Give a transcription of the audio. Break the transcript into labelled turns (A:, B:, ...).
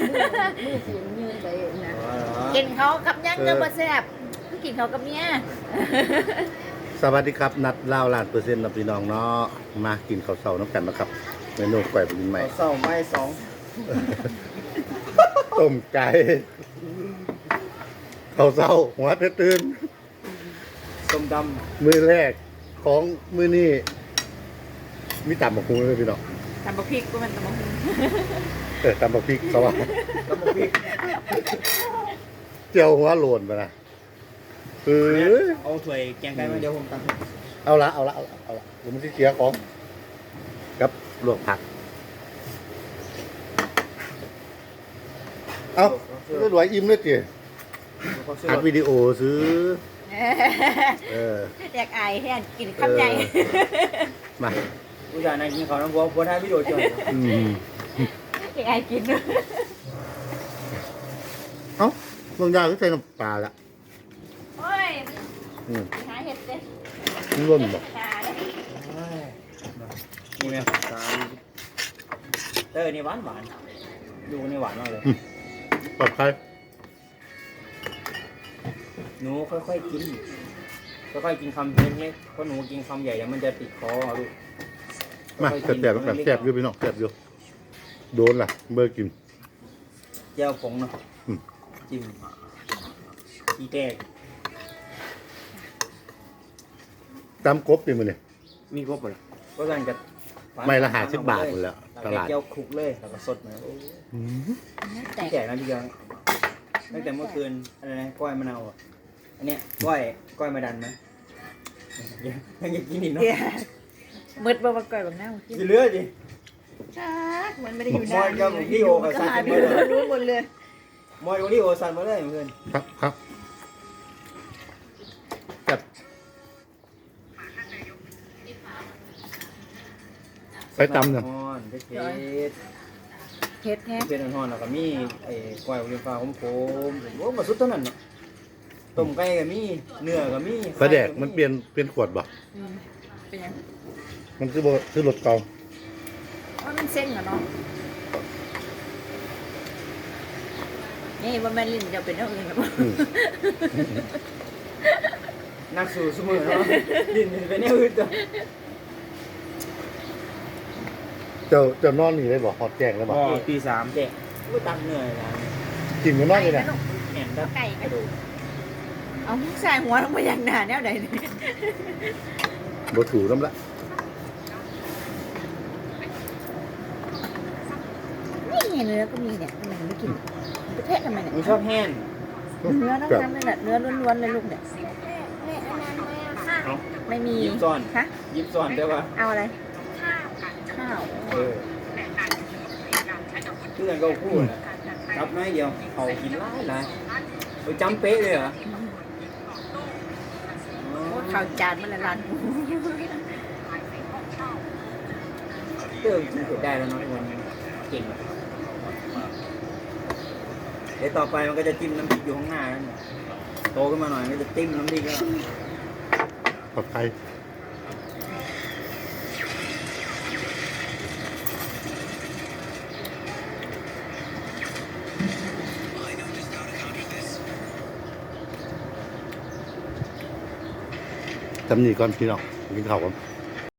A: มือฝืนยืนไปนะ
B: กินเขากับยังเนื้อบ่แซ่บกินเขากับเมีย
C: สวัสดีครับนัดเล่าล้านเปอร์เซ็นต์นะพี่น้องเนาะมากินข้าวเสาน้ำกันนะครับเมนูก๋วยปลินใหม่
D: เศร้าไม้สอง
C: ต้มไก่ข้าวเสาหัวเพชรตื่น
D: ส้มด
C: มือแรกของมือนี้มีตำบักหุ่งเลยพี่น้อง
B: ตำบักพริกก็มันตำบักหุ่ง
C: ตำบักพริกเขาว่า
D: ำน้ำมันพริก
C: เจียวหัวโลนไปนะเออ
D: เอาถ้วยแกงไก่มาเดี๋ยวผมตัก
C: เอาละผมจะเสียของกับลวกผักเอาไม่รวยอิ่มเลยจีอัดวิดีโอซื้อ
B: อยากอายแห้งกินคำใหญ่
C: มา
D: ผู้ชายนายกินข้าวน้ำวัวบัวท้ายวิดีโอจ่อย
B: อยากอายกิน
C: เอ้าลงยาก็ใส่น้ำปลาละ
B: โอ้ยหาเห็ดเด้
C: มันร่นบอก
B: หาเด้
D: นี่ไหมนี่หวานหวานดูนี่หวานมากเลย
C: ปลอดภัย
D: หนูค่อยๆกินค่อยๆกินคำเล็กๆเพราะหนูกินคำใหญ่เดี๋ยวมันจะติดคอลูก
C: มาแสบๆแสบอยู่พี่น้องแสบอยู่โดนล่ะเบอร์กิน
D: แจ่วผงเนาะจิ้มอีแตก
C: ตำกบดิมันเนี่ย
D: มีครบหมดก็สั่งกับ
C: ไม่ละ50 บาทหมดแล้วตลาด
D: แก้วคลุกเลยแล้วก็สดมา
B: แตก
D: แจกนะพี่เดียวตั้งแต่เมื่อคืนอะไรนะก้อยมะนาวอ่ะอันเนี้ยก้อยมาดันนะยังจะกินอีกเนาะ
B: มืดบ่มาก่อยบักหน้ากิน
D: กินเลือดดิ
B: ชักมันไม่ได้อยู่
D: มอยกับพี่โอกับซัน
B: หา
D: มาเลย
B: รู้หมดเลย
D: มอยกับพี่โอซันมาเลยเมื่อคืน
C: ครับจัดไปตำเนี่ย
D: ฮ้อนเพชร
B: เฮ็ดแท้
D: เพชรฮ้อนแล้วก็มีไอ้ก้อยโอลิมฟ้าผมโอ้มาสุดเท่านั้นเนาะต้มไก่ก็มีเนื้อก็มี
C: ปลาแดกมันเปลี่ยนขวดบ่
B: เป็นยัง
C: มันคือรถเก่า
B: ว่ามันเส้นเหรอเนาะนี่ว่าแม่ลิ้นจะเป็นเรื่องอื่นหรือเปล่า
D: นักสู่สมุนเนาะดินเป็นแนวอื่นตัว
C: เจ้านอนนี่เลยบ่ฮอดแจ้งเลยบ่
D: ตี3แจกก็ตักเหนื่อยแล้ว
C: กินอยู่นอนนี่นะ
D: แหนตัก
B: ไก่กระดูกเอาใส่หัวลงไปอย่างหนาแนวใดเนี่ย
C: บ่ถูน้ำละ
B: นี่เนื้อก็มีเนี่ยมันไม่กินประเทศทำไมเนี่ย
D: มึงชอบแห้ง
B: เนื้อทั้งนั้นเลยแหละเนื้อล้วนๆเลยลูกเนี่ยไม่มี
D: ยิบซ้อน
B: ฮะ
D: ยิบซ้อนได้ปะ
B: เอาอะไรข้าว
D: เพื่อนก็พูดจับน้อยเดียวเขากินหลายไปจำเป๊ะเลยเหรอ
B: ข้าวจานมันละลาน
D: เติมกินเผ็ดได้แล้วเนาะวันนี้เก่งเดี๋ยวต่อไปมันก็จะจิ้มน้ำพริกอยู่ข้างหน้านั่นโตขึ้นมาหน่อยมันจะจิ้มน้ำพริกแล้ว
C: ปลอดภัยจำนี่ก่อนพี่น้องกินข้าวก่อน